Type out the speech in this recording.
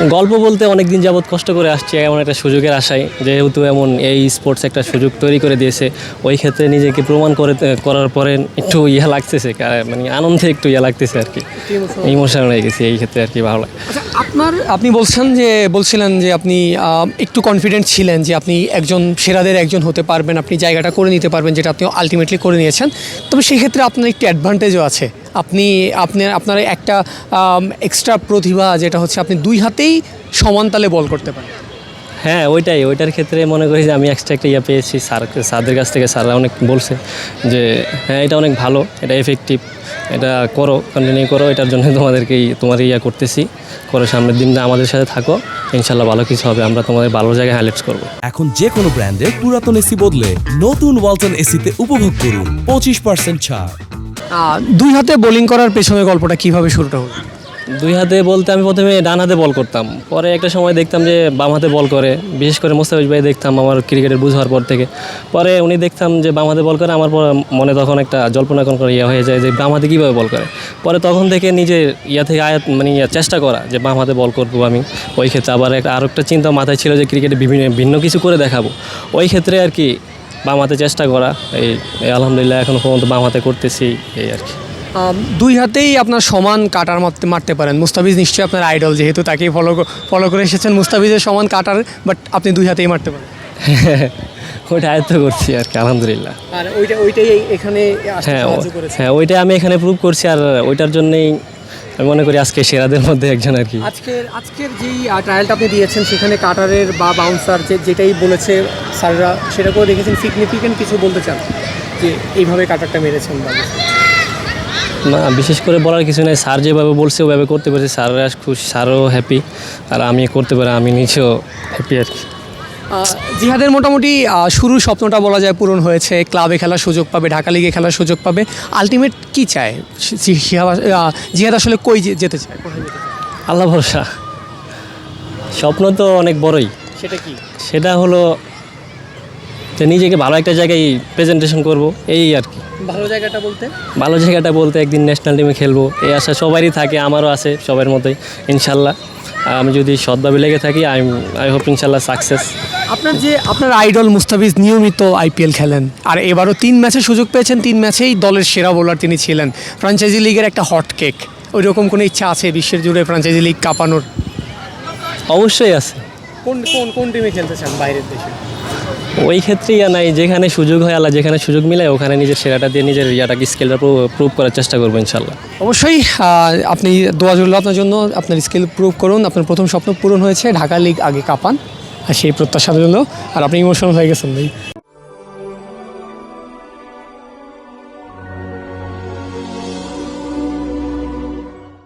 গল্প বলতে অনেক দিন যাবৎ কষ্ট করে আসছি এমন একটা সুযোগের আশায়, যেহেতু এমন এই স্পোর্টস একটা সুযোগ তৈরি করে দিয়েছে, ওই ক্ষেত্রে নিজেকে প্রমাণ করার পরে একটু লাগতেছে, মানে আনন্দে একটু লাগতেছে আর কি, ইমোশনাল হয়ে গেছি এই ক্ষেত্রে আর কি, ভালো লাগে। আচ্ছা, আপনি বলছিলেন যে আপনি একটু কনফিডেন্ট ছিলেন যে আপনি একজন সেরাদের একজন হতে পারবেন, আপনি জায়গাটা করে নিতে পারবেন, যেটা আপনি আলটিমেটলি করে নিয়েছেন। তবে সেই ক্ষেত্রে আপনার একটি অ্যাডভান্টেজও আছে, আপনার একটা এক্সট্রা প্রতিভা, যেটা হচ্ছে আপনি দুই হাতেই সমান তালে বল করতে পারেন। হ্যাঁ, ওইটার ক্ষেত্রে মনে করি যে আমি এক্সট্রা একটা পেয়েছি স্যারদের কাছ থেকে। স্যাররা অনেক বলছে যে হ্যাঁ, এটা অনেক ভালো, এটা এফেক্টিভ, এটা করো, কন্টিনিউ করো, এটার জন্য তোমার করতেছি, করো, সামনের দিনটা আমাদের সাথে থাকো, ইনশাল্লাহ ভালো কিছু হবে, আমরা তোমাদের ভালো জায়গায় হাইলাইটস করবো। এখন যে কোনো ব্র্যান্ডের পুরাতন এসি বদলে নতুন ওয়ালটন এসিতে উপভোগ করুন 25% ছাড়। দুই হাতে বোলিং করার পেছনে গল্পটা কিভাবে শুরুটা হলো? দুই হাতে বলতে আমি প্রথমে ডান হাতে বল করতাম, পরে একটা সময় দেখতাম যে বাম হাতে বল করে, বিশেষ করে মোস্তাফিজ ভাই দেখতাম আমার ক্রিকেটের বুঝ হওয়ার পর থেকে। পরে উনি দেখতাম যে বাম হাতে বল করে, আমার মনে তখন একটা জল্পনা কল্পনা হয়ে যায় যে বাম হাতে কীভাবে বল করে। পরে তখন থেকে নিজের থেকে চেষ্টা করা যে বাম হাতে বল করবো আমি। ওই ক্ষেত্রে আবার আরও একটা চিন্তা মাথায় ছিল যে ক্রিকেটে ভিন্ন কিছু করে দেখাবো, ওই ক্ষেত্রে আর কি বাম হাতে চেষ্টা করা। এই আলহামদুলিল্লাহ এখনও পর্যন্ত বাম হাতে করতেছি, এই আর কি। দুই হাতেই আপনার সমান কাটার মারতে পারেন। মুস্তাফিজ নিশ্চয়ই আপনার আইডল, যেহেতু তাকেই ফলো করে এসেছেন। মুস্তাফিজের সমান কাটার, বাট আপনি দুই হাতেই মারতে পারেন। ওইটা আয়ত্ত করছি আর কি, আলহামদুলিল্লাহ। আর ওইটাই এখানে হ্যাঁ, ওইটাই আমি এখানে প্রুভ করছি, আর ওইটার জন্যই আমি মনে করি আজকে সেরাদের মধ্যে একজন আর কি। আজকের যেই ট্রায়ালটা আপনি দিয়েছেন, সেখানে কাটারের বা বাউন্সার যেটাই বলেছে স্যাররা, সেটা করে দেখেছেন সিগনিফিকেন্ট কিছু বলতে চান যে এইভাবে কাটারটা মেরেছেন? না, বিশেষ করে বলার কিছু নেই, স্যার যেভাবে বলছে ওভাবে করতে পেরেছি, স্যাররা খুশি, স্যারও হ্যাপি, আর আমি করতে পারি আমি নিজেও হ্যাপি আর কি। জিহাদের মোটামুটি শুরুর স্বপ্নটা বলা যায় পূরণ হয়েছে, ক্লাবে খেলার সুযোগ পাবে, ঢাকা লিগে খেলার সুযোগ পাবে। আলটিমেট কি চায় জিহাদ? আসলে কই যেতে চায়, কোথায় যেতে চায়? আল্লাহ ভরসা। স্বপ্ন তো অনেক বড়ই। সেটা কি? সেটা হলো যে নিজেকে ভালো একটা জায়গায় প্রেজেন্টেশন করব, এই আর কি। ভালো জায়গাটা বলতে একদিন ন্যাশনাল টিমে খেলবো, এই আশা সবারই থাকে, আমারও আছে, সবার মতোই। ইনশাল্লাহ আমি যদি সৎভাবে লেগে থাকি, আই হোপ ইনশাল্লাহ সাকসেস। আপনার আইডল মুস্তাফিজ নিয়মিত আইপিএল খেলেন, আর এবারও 3 ম্যাচে সুযোগ পেয়েছেন, 3 ম্যাচেই দলের সেরা বোলার তিনি ছিলেন। ফ্র্যাঞ্চাইজি লিগের একটা হট কেক, ওই রকম কোনো ইচ্ছা আছে বিশ্বের জুড়ে ফ্র্যাঞ্চাইজি লিগ কাঁপানোর? অবশ্যই আছে। কোন টিমে খেলতে চান বাইরের দেশে? ওই ক্ষেত্রেই নাই, যেখানে সুযোগ হয়, আল্লাহ যেখানে সুযোগ মিলে ওখানে নিজের সেরাটা দিয়ে নিজের স্কিলটা প্রুভ করার চেষ্টা করবো ইনশাল্লাহ। অবশ্যই আপনি দোয়া রইল আপনার জন্য, আপনার স্কিল প্রুভ করুন। আপনার প্রথম স্বপ্ন পূরণ হয়েছে, ঢাকা লিগ আগে কাঁপান, আর সেই প্রত্যাশা রইল। আর আপনি ইমোশনাল হয়ে গেছেন ভাই।